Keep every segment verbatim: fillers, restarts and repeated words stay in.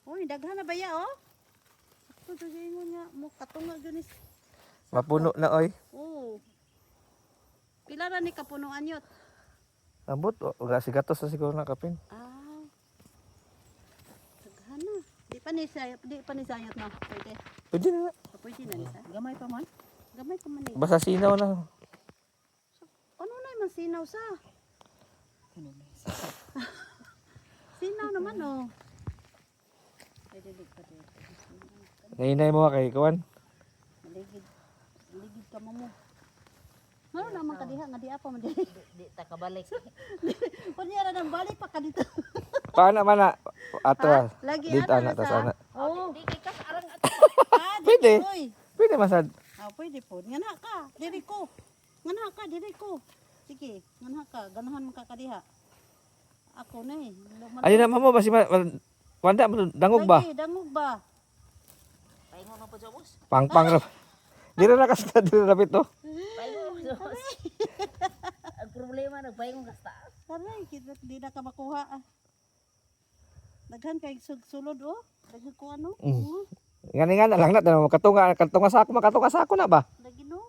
Uy, daghan na ba ya oh? Ako to mo niya mo katunga gyud ni. Mapuno na oy. Oo. Pila ra ni kapunuan yot? Ambot, wala si gatos na siguro na kapin. Ah. Daghan na. Di pa ni sayot, di pa ni sayot na. Pwede. Pwede na. Ah, Pwede na ni sa. Gamay pa man. Gamay pa man ni. Basta sinaw na. Ano na man sinaw sa? Ano na? Sinaw naman oh. Pwede di pa di. Nainay mo kay kuan. Maligid. Maligid ka mo mo. Ano naman ka diha nga di apa man di. Di ta kabalik. Kunya ra nang balik pa ka dito. Paano man na? Atras. Lagi Dito ana ana na tas sa. ana. Oo. Di kay kas arang ato. Ah, di Pwede. Oy. Pwede masad. Ah, pwede po. Ngana ka, diri ko. Ngana ka, diri ko. Sige, ngana ka, ganahan man ka kadiha. Ako na eh. Lumal- Ayun na mo basi ma wanda mo dangog ba? Lagi, dangog ba? Paingon na po sa bus. Pangpang ra. Dira na kas dira na bito. Paingon sa bus. Ang problema nagpaingon kas taas. Taray, kita di na ka makuha. Ah. Daghan kay sug- sulod oh. Daghan ko ano? Mm. Oo, Ngani nga na lang na tanong katunga katunga sa ako makatunga sa ako na ba? lagi no.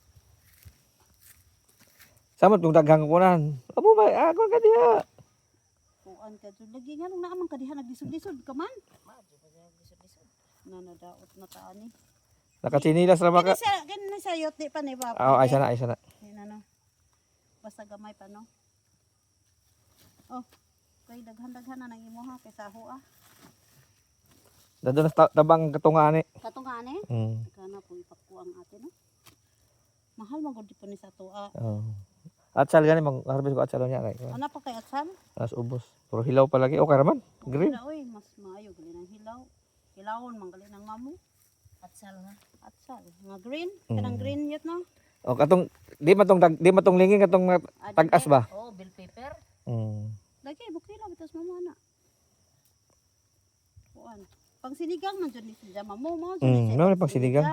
Samot kung daghang kunan. Amo ba ako ka diha. Kuan ka jud lagi nga nung naamang kadiha naglisod-lisod ka man. Madyo pa siya gisod-gisod. Na nadaot na taani. Nakachinilas ra Kini maka. sa kini sa yot di pa ni ba? Oh, ay sana ay sana. Yan ano. Basta gamay pa no. Oh. Kay daghan-daghan na nang imuha kay saho ah. Dado na ta- tabang katunga ani. Katong ani. Mm. Kana po ipakuang ate no. Mahal man gud po ni sa tuwa. Oh. Atsal gani mag harvest ko atsal niya kay. Ana pa kay atsal? As ubos. Puro hilaw pa lagi. Okay raman. Green. Wala, oy, mas maayo gali ng hilaw. Hilawon man gali ng mamu. Atsal nga. Atsal. Nga green. Kanang Mm. green yet no. O katong di matong dag- di matong lingin katong ma- Ah, tag-as ba? Oh, bill paper. Mm. Lagi bukila bitas mamu ana. Kuan. Pang sinigang man jud ni sa mamu mo. jud ni Mm, siya no, pang sinigang.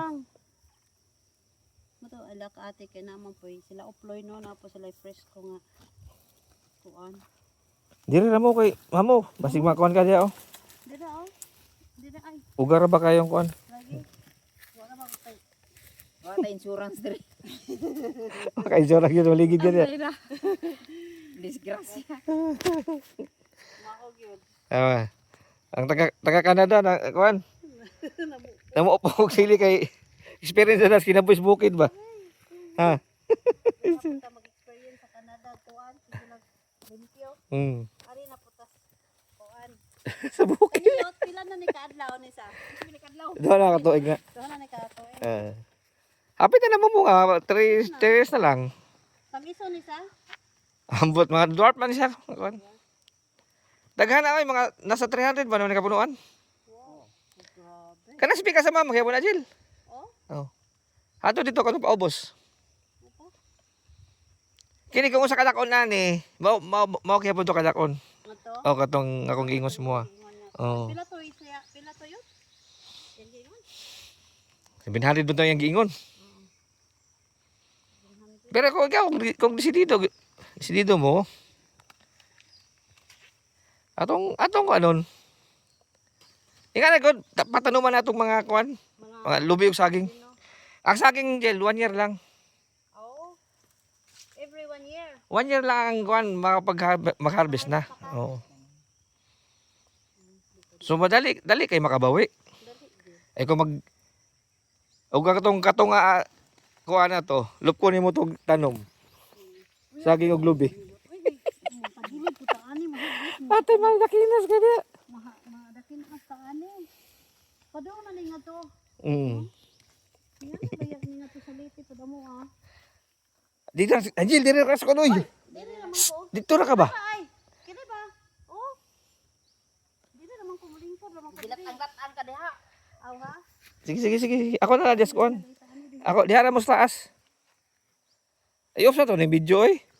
Mato ala ka ate kay naman po sila uploy no na po sila fresh ko nga. Kuan. Diri ra mo kay mamo. Basig makuan ka diha oh. Dira oh. Dira ay. Ugar ra ba kayong kuan? Lagi. Wala ba kay. Wa ta insurance diri. Kay jora gyud maligid ka diha. Dira. Disgrasya. Mao gyud. Ah. Ang taga taga Canada na kuan. Namo po og sili kay experience na kinabuhis bukid ba? Ha. Kita mag-experience sa Canada kuan sige lang limpyo. Mm. Ari na putas kuan. Sa bukid. Kanyot pila na ni kaadlaw ni sa. Sige ni kaadlaw. Do na katuig nga. Doon na ni katuig. Ah. Hapit na mo mo nga three days na lang. Tagiso ni sa. Ambot mga dwarf man siya. Kuan. Daghan na ay mga nasa three hundred ba naman kapunuan? Wow. Grabe. Kana speak ka sa mama kaya mo na Jill. Oh. Oh. Ato dito kanang paubos. Opo. Kini kung usa ka dakon na ni, mao mao mao kaya punto ka dakon. Mato. O katong akong gingos mo. ah. Oh. Pila to isya, pila to yun? Yan gingon. seven hundred bunto yung giingon. Pero kung ikaw, kung, kung desidido, desidido mo, atong, atong anon, ika na good, patanuman na itong mga kuan, Mga mga lubi o saging. Pino. Ang saging gel, one year lang. Oo. Every one year. One year lang ang kuan, makapag mag-harvest na. Oo. So madali, dali kay makabawi. Dali. di. Ay kung mag, o katong katong uh, kuan na to, lupko nimo tong tanom. Saging og lubi. Uy, pagilid ko taani mahigit mo. Ate, maldakinas ka na. Maha, madakin ang taani. Padaw na ni nga to. Mm. Yan na bayag ni nga to sa liti padamo ah. Dito, Angel, dito ka sa kunoy. Dili naman ko. Dito na ka ba? Ay, kini ba? Oh. Dili naman ko mulingkod naman ko. Gilat-ang-lat-an ka diha. Aw ha? Sige, sige, sige. Ako na lang, just kuan. Ako, diha na mo sa taas. Ay, off na to, yung video eh.